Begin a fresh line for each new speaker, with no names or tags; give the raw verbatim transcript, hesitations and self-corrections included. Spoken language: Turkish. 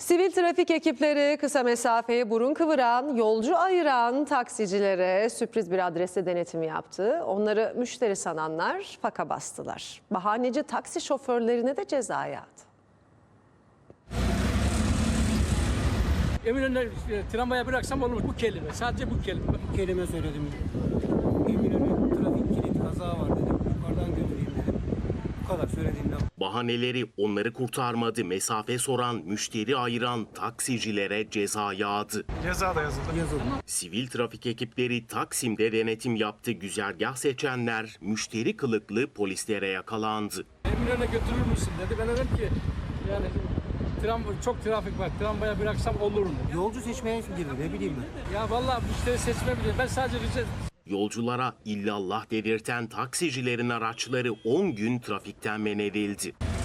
Sivil trafik ekipleri kısa mesafeye burun kıvıran, yolcu ayıran taksicilere sürpriz bir adreste denetim yaptı. Onları müşteri sananlar faka bastılar. Bahaneci taksi şoförlerine de ceza yağdı.
Eminönü'ne e, tramvaya bıraksam olur. Bu kelime, sadece bu kelime.
Bir kelime söyledim. Eminönü trafik kilit kaza var dedim. Yukarıdan götüreyim dedim. Bu kadar söylediğimde.
Bahaneleri onları kurtarmadı. Mesafe soran, müşteri ayıran taksicilere ceza yağdı.
Ceza da yazıldı.
Yazıldı.
Sivil trafik ekipleri Taksim'de denetim yaptı. Güzergah seçenler müşteri kılıklı polislere yakalandı.
Eminönü'ne götürür müsün dedi. Ben dedim ki yani tram, çok trafik var. Tramvaya bıraksam olur mu?
Yolcu seçmeye girdi ne bileyim ben.
Ya vallahi müşteri seçme bile. Ben sadece rica
Yolculara illallah dedirten taksicilerin araçları on gün trafikten men edildi.